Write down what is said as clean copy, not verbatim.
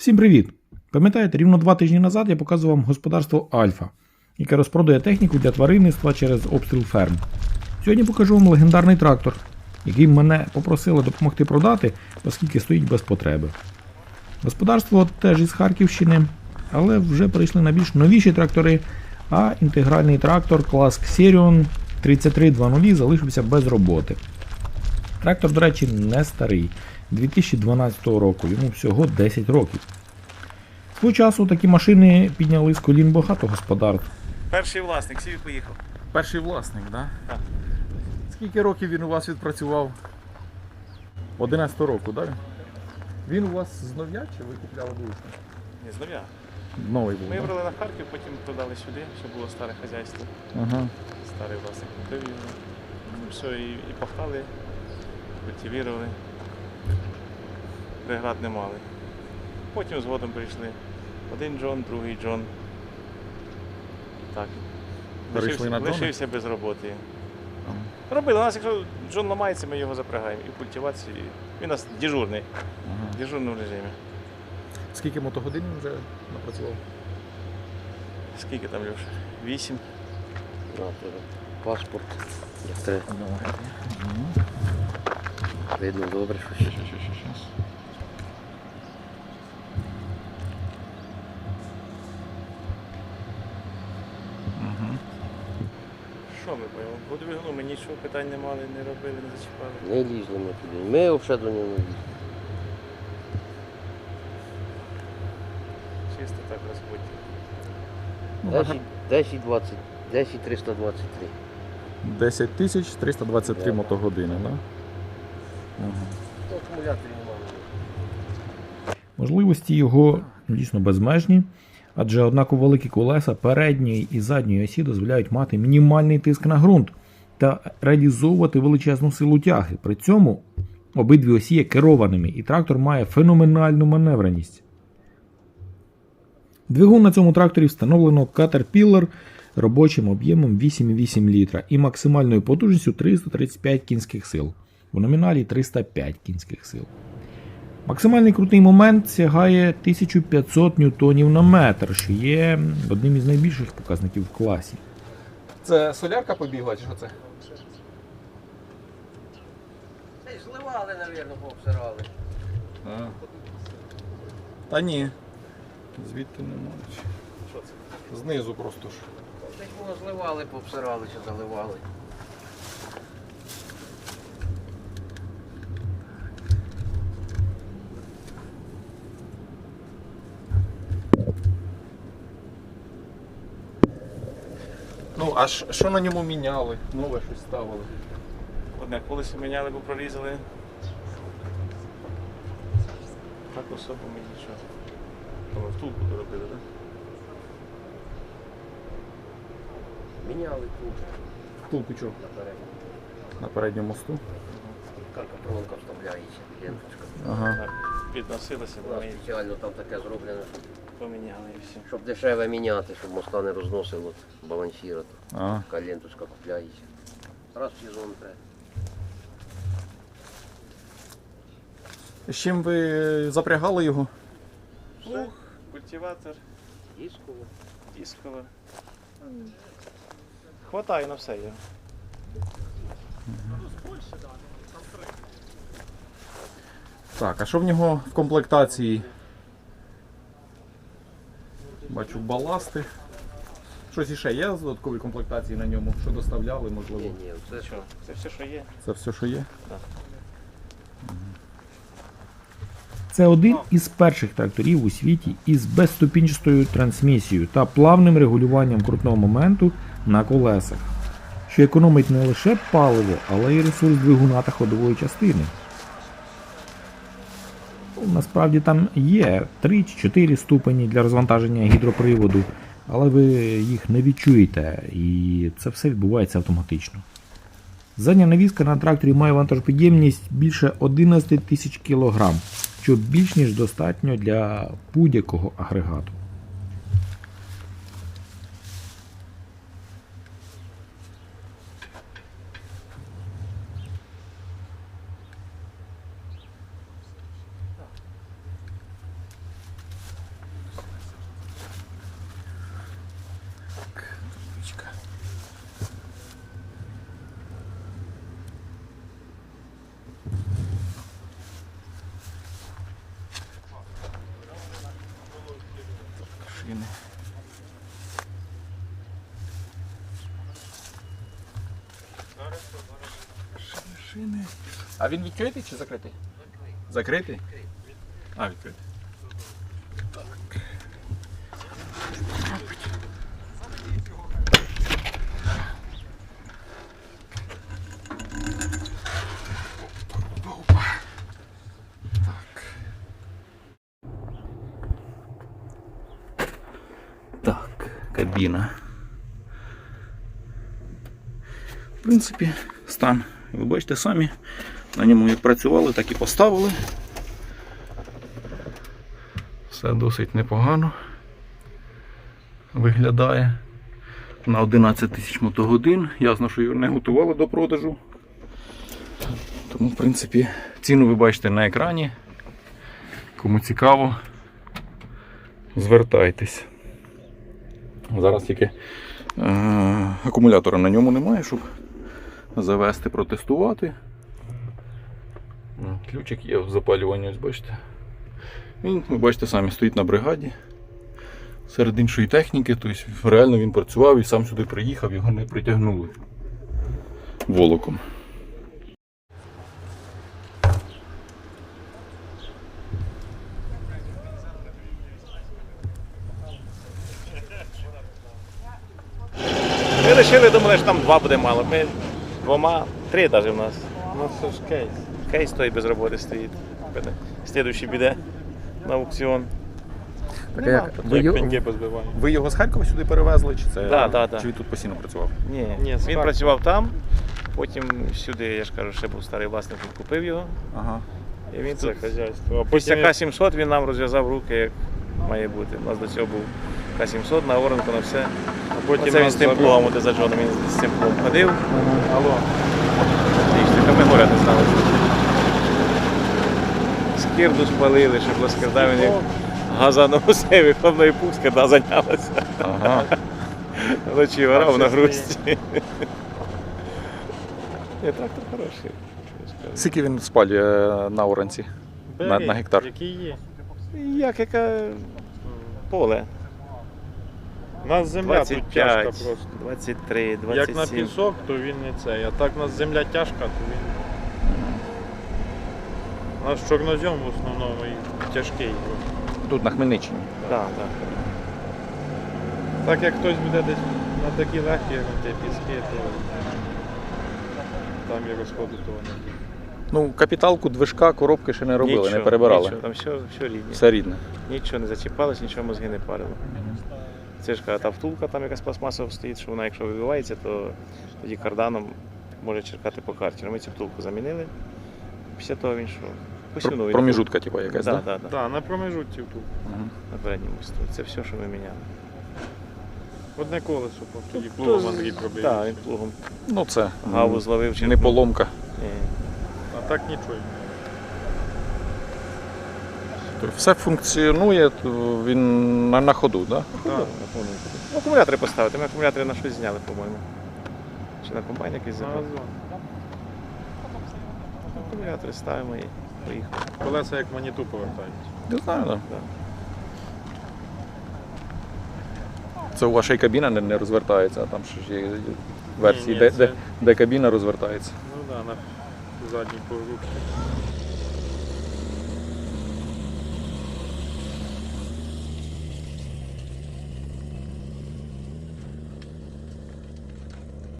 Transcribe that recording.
Всім привіт! Пам'ятаєте, рівно 2 тижні назад я показував вам господарство Альфа, яке розпродає техніку для тваринництва через обстріл ферм. Сьогодні покажу вам легендарний трактор, який мене попросили допомогти продати, оскільки стоїть без потреби. Господарство теж із Харківщини, але вже перейшли на більш новіші трактори, а інтегральний трактор клас Xerion 3300 залишився без роботи. Трактор, до речі, не старий, 2012 року, йому всього 10 років. Свого часу такі машини підняли з колін багато господарств. Перший власник, сів і поїхав. Перший власник, да? Так. Скільки років він у вас відпрацював? 11 року, так? Він у вас з нов'я чи ви купляли вуличний? Ні, з нуля. Новий був, Ми да? брали на Харків, потім продали сюди, щоб було старе хазяйство. Ага. Старий власник купив його. Все, і пахали, культивірували. Преград не мали. Потім згодом прийшли. Один Джон, другий Джон. Так. Перейшли на Джона? Лишився без роботи. Робили. У нас, якщо Джон ламається, ми його запрягаємо. І в культивації. Він у нас дежурний. Ага. В дежурному режимі. Скільки мотогодин він вже напрацював? Скільки там, Льоша? 8. Паспорт. Три. Видно добре, що ще. Що ми поїмо? По двигуну ми нічого питань не мали, не робили, не зачіпали. Не лізли ми туди. Ми взагалі до нього не лізли. Чисто так розбиті. 10 323. 10 тисяч 323 Да. мотогодини, так? Да? Ага. Акумуляторів немає. Можливості його дійсно безмежні, адже однаково великі колеса передньої і задньої осі дозволяють мати мінімальний тиск на ґрунт та реалізовувати величезну силу тяги. При цьому обидві осі є керованими і трактор має феноменальну маневреність. Двигун на цьому тракторі встановлено Caterpillar робочим об'ємом 8,8 літра і максимальною потужністю 335 кінських сил. В номіналі 305 кінських сил. Максимальний крутний момент сягає 1500 ньютонів на метр, що є одним із найбільших показників в класі. Це солярка побігла, чи що це? Та й зливали, мабуть, пообсирали. Та ні. Звідти немає. Що це? Знизу просто ж. Десь воно зливали, пообсирали чи заливали. Ну, а що на ньому міняли? Нове щось ставили. Одне колесо міняли, бо прорізали. Так особо ми нічого. Тому втулку доробили, так? Міняли тут Втулку чого? наперед. На передньому мосту. Каркатронка вставляється, ленточка. Ага. Так, підносилося, У бо нас ми спеціально там таке зроблено, поміняли і все. щоб дешеве міняти, щоб моста не розносило, балансіра. Ага. Така ленточка купляється. Раз в сезон треба. З чим ви запрягали його? Плуг, культиватор, Дисково. дискова. Хватає на все його. Так, а що в нього в комплектації? Бачу баласти. Щось іще є з додаткової комплектації на ньому? Що доставляли, можливо? Ні, це Що? Це все, що є. Це все, що є? Це один із перших тракторів у світі із безступінчастою трансмісією та плавним регулюванням крутного моменту на колесах, що економить не лише паливо, але й ресурс двигуна та ходової частини. Насправді там є 3 чи 4 ступені для розвантаження гідроприводу, але ви їх не відчуєте, і це все відбувається автоматично. Задня навіска на тракторі має вантажопідємність більше 11 тисяч кг, що більш ніж достатньо для будь-якого агрегату. шини. Шини. А він відкритий чи закритий? Закритий? А, відкритий. Так, кабіна. В принципі, стан, ви бачите самі, на ньому як працювали, так і поставили. Все досить непогано виглядає. На 11 тисяч мотогодин. Ясно, що його не готували до продажу. Тому, в принципі, ціну ви бачите на екрані. Кому цікаво, звертайтесь. Зараз тільки акумулятора на ньому немає, щоб завести, протестувати. Ключик є в запалюванні, ось бачите. Він, ви бачите, самі стоїть на бригаді. Серед іншої техніки, тобто реально він працював і сам сюди приїхав, його не притягнули волоком. Ми вирішили, думали, що там 2 буде мало. Ми 2, 3 навіть в нас. Ну це ж кейс. Кейс той без роботи стоїть. Слідуючий піде на аукціон. Так, Нема. Як пеньки позбиваємо. ви його з Харкова сюди перевезли, чи це Да. чи він тут постійно працював? Ні, Ні, він справді. працював там, потім сюди, я ж кажу, ще був старий власник, він купив його. Ага. І він Це тут хазяйство. А після потім К-700 він нам розв'язав руки, як має бути. У нас до цього був К-700 на оранку, на все. Оце він з тим плугом, де за Джоном, він з цим плугом ходив. Алло. Отлично, ми горя не знали. Скирду спалили, щоб ласкарда він як газанув усе, виховної пух, скирда зайнялася. Ага. Вночі орав на грусті. Ні, трактор хороший. Скільки він спалює на оранці? На гектар? Який є. Яке поле? У нас земля тут тяжка 25, просто. 23, Як на 27. пісок, то він не цей. А так у нас земля тяжка, то він. У нас чорнозем в основному і тяжкий. Тут на Хмельниччині. Так. Так як хтось буде десь на такі легкі, як на ті піски, то там і розходу того не буде. Ну, капіталку, движка, коробки ще не робили, Нічого, не перебирали. Нічого, там все рідне. Все рідне. Нічого не зачіпалось, нічого мозги не парило. Це ж та втулка, там якась пластмасова стоїть, що вона, якщо вибивається, то тоді карданом може черкати по карті. Ми цю втулку замінили. Після того він що? Посунув. Проміжутка, типу, якась, Так, так? так, Так, на промежутці тут. на передньому мосту. Це все, що ми міняли. Одне колесо, тоді Ну, плугом Андрій пробив. Так, він плугом Ну, це гаву зловив. не поломка. Ні. А так нічого. Тобто все функціонує, то він на ходу, так? Так. Ну, акумулятори поставити. Ми акумулятори на щось зняли, по-моєму. Чи на комбайн якийсь На забрав. газон. Акумулятори ставимо і поїхали. Колеса як маніту повертають. Не знаю, так. Да. Це у вашої кабіна не розвертається, а там ще ж є версії, Ні, де, це- де кабіна розвертається. Ну так, на задній погрузці.